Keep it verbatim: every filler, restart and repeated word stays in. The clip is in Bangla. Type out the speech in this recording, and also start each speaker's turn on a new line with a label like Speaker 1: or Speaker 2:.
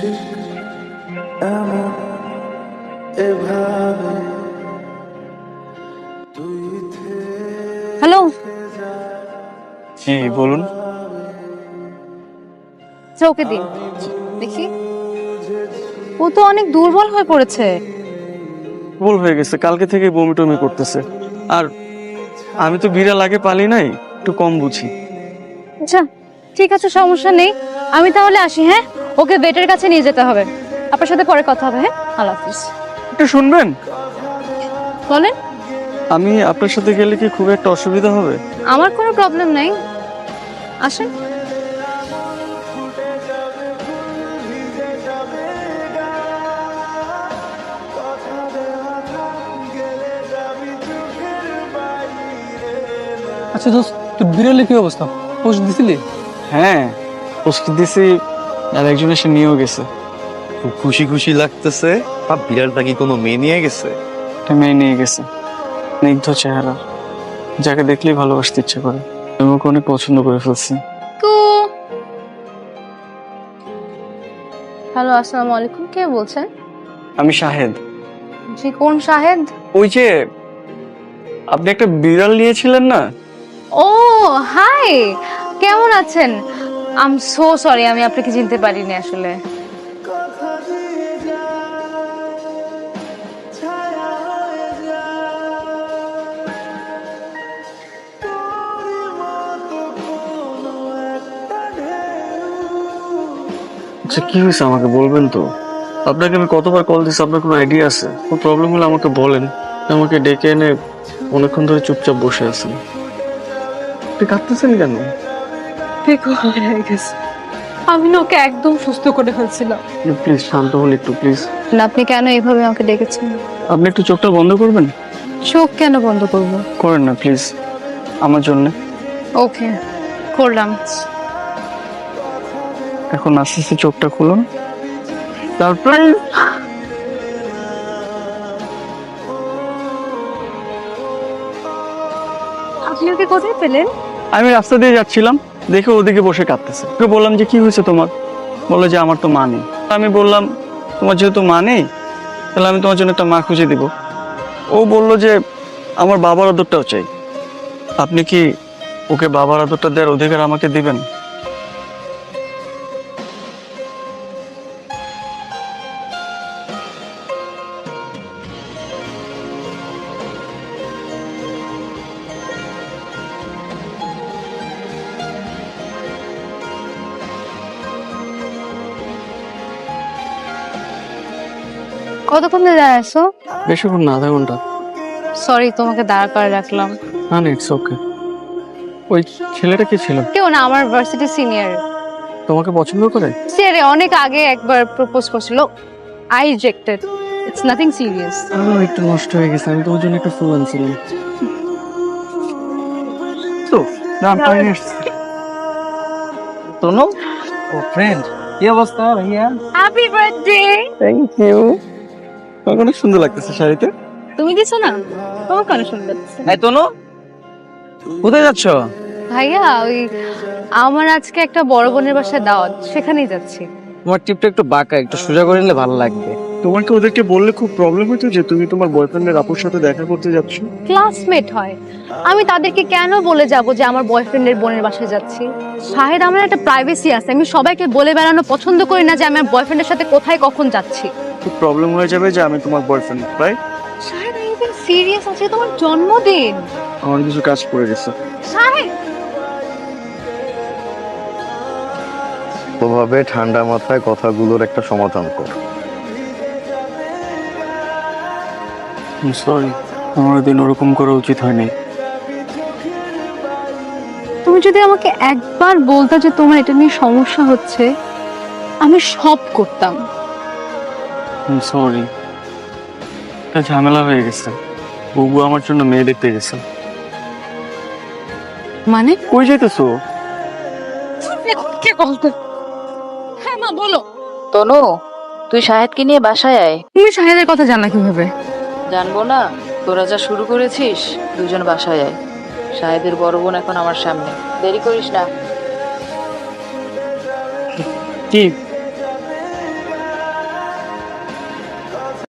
Speaker 1: হ্যালো,
Speaker 2: জি বলুন।
Speaker 1: ওকে দিন দেখি। ও তো অনেক দুর্বল হয়ে পড়েছে।
Speaker 2: ভুল হয়ে গেছে, কালকে থেকে বমি টমি করতেছে। আর আমি তো বিড়াল আগে পালি নাই, একটু কম বুঝি।
Speaker 1: আচ্ছা ঠিক আছে, সমস্যা নেই। আমি তাহলে আসি। হ্যাঁ, ওকে বেটের কাছে নিয়ে যেতে হবে। আপনার সাথে পরে কথা হবে। হ্যাঁ, আল্লাহ হাফিজ।
Speaker 2: একটু শুনবেন?
Speaker 1: বলেন।
Speaker 2: আমি আপনার সাথে গেলে কি খুব একটা অসুবিধা হবে?
Speaker 1: আমার কোনো প্রবলেম নাই, আসেন।
Speaker 3: আচ্ছা দোস্ত, তোর বিড়ালের কি অবস্থা? পোস্ট দিছিলি?
Speaker 2: হ্যাঁ, পোস্ট দিছি, আর একজন এসে নিয়েও গেছে।
Speaker 4: খুব খুশি খুশি লাগতেছে। আর বিড়ালটা কি কোনো মেয়ে নিয়ে গেছে?
Speaker 2: একটা মেয়ে নিয়ে গেছে, স্নিগ্ধ চেহারা, যাকে দেখলেই ভালোবাসতে ইচ্ছে করে। আমি ওকে অনেক পছন্দ করে ফেলছি।
Speaker 1: হ্যালো, আসসালামু আলাইকুম। কে বলছেন?
Speaker 2: আমি শাহেদ।
Speaker 1: জি, কোন শাহেদ?
Speaker 2: ওই যে আপনি একটা বিড়াল নিয়েছিলেন না?
Speaker 1: ও হাই, কেমন আছেন? আই এম সো সরি, আমি আপনাকে চিনতে পারিনি আসলে।
Speaker 2: আচ্ছা কি হয়েছে আমাকে বলবেন তো? আপনাকে আমি কতবার কল দিচ্ছি, আপনার কোনো আইডিয়া আছে? কোনো প্রবলেম হলে আমাকে বলেন। আমাকে ডেকে এনে অনেকক্ষণ ধরে চুপচাপ বসে আছেন। আপনি কাঁদতেছেন কেন?
Speaker 1: আমি না ওকে একদম সুস্থ করে ফেলছিলাম।
Speaker 2: প্লিজ শান্ত হন একটু, প্লিজ।
Speaker 1: না, আপনি কেন এইভাবে আমাকে ডেকেছেন?
Speaker 2: আপনি একটু চোখটা বন্ধ করবেন?
Speaker 1: চোখ কেন বন্ধ করব?
Speaker 2: করেন না প্লিজ, আমার জন্য।
Speaker 1: ওকে, করলাম।
Speaker 2: এখন আস্তে আস্তে চোখটা খুলুন, তারপর
Speaker 1: আপনি ওকে কোথায় পেলেন?
Speaker 2: আমি রাস্তা দিয়ে যাচ্ছিলাম, দেখে ওদিকে বসে কাঁদতেছে। ওকে বললাম যে কি হয়েছে তোমার? বললো যে আমার তো মা নেই। আমি বললাম তোমার যেহেতু মা নেই, তাহলে আমি তোমার জন্য একটা মা খুঁজে দিব। ও বললো যে আমার বাবার আদরটাও চাই। আপনি কি ওকে বাবার আদরটা দেওয়ার অধিকার আমাকে দিবেন?
Speaker 1: কতক্ষণ ধরে দাঁড়াইছো?
Speaker 2: বেশিক্ষণ না, আধা ঘন্টা।
Speaker 1: সরি, তোমাকে দাঁড় করে রাখলাম।
Speaker 2: না না, ইটস ওকে। ওই ছেলেটা কি ছিল?
Speaker 1: কেউ না, আমার ভার্সিটি সিনিয়র।
Speaker 2: তোমাকে পছন্দ করে?
Speaker 1: সে অনেক আগে একবার প্রপোজ করছিল, I rejected. It's nothing serious.
Speaker 2: আমার একটু নষ্ট হয়ে গেছে, আমি তোমার জন্য একটা ফুল আনছিলাম। তো না পাইনি।
Speaker 3: তনু, ও ফ্রেন্ড, কি অবস্থা ভাইয়া?
Speaker 1: Happy birthday.
Speaker 2: Thank you. তোমাকে অনেক সুন্দর লাগতেছে শাড়িতে।
Speaker 1: তুমি দিছো না? তোমাকে অনেক সুন্দর লাগছে।
Speaker 3: এই তনু, কোথায় যাচ্ছ?
Speaker 1: ভাইয়া, ওই আমার আজকে একটা বড় বোনের বাসায় দাওয়াত, সেখানেই যাচ্ছি।
Speaker 3: তোমার টিপটা একটু বাঁকা, একটু সোজা করে নিলে ভালো লাগবে।
Speaker 2: তোমাকে ওদেরকে বললে খুব প্রবলেম হতো যে তুমি তোমার বয়ফ্রেন্ডের আপুর সাথে দেখা করতে যাচ্ছ।
Speaker 1: ক্লাসমেট হয়, আমি তাদেরকে কেন বলে যাব যে আমার বয়ফ্রেন্ডের বোনের বাসায় যাচ্ছি? শাহেদ, আমার একটা প্রাইভেসি আছে। আমি সবাইকে বলে বেড়ানো পছন্দ করি না যে আমার বয়ফ্রেন্ডের সাথে কোথায় কখন যাচ্ছি।
Speaker 2: খুব প্রবলেম হয়ে যাবে যে আমি তোমার বয়ফ্রেন্ড, রাইট?
Speaker 1: শাহেদ, আমি একদম সিরিয়াস আছি, তোমার জন্মদিন।
Speaker 2: আমার কিছু কাজ পড়ে গেছে।
Speaker 1: শাহেদ,
Speaker 4: ওভাবে ঠান্ডা মাথায় কথাগুলোর একটা সমাধান কর।
Speaker 2: সরি, আমার দিন ওরকম করা উচিত হয়নি।
Speaker 1: তুমি যদি আমাকে একবার বলতে যে তোমার এটা নিয়ে সমস্যা হচ্ছে, আমি সব করতাম।
Speaker 2: সরি, একটা ঝামেলা হয়ে গেছে। বুবু আমার জন্য মেয়ে দেখতে গেছে।
Speaker 1: মানে
Speaker 2: কই যাইতেছো?
Speaker 1: কে বলতে? হ্যাঁ মা, বলো।
Speaker 5: তনু, তুই শাহেদকে নিয়ে বাসায় আয়।
Speaker 1: তুমি শাহেদের কথা জানা কিভাবে?
Speaker 5: জানবো না? তোরা যা শুরু করেছিস, দুজন বাসায় আয়। শাহেদের বড় বোন এখন আমার সামনে, দেরি করিস না।
Speaker 2: কি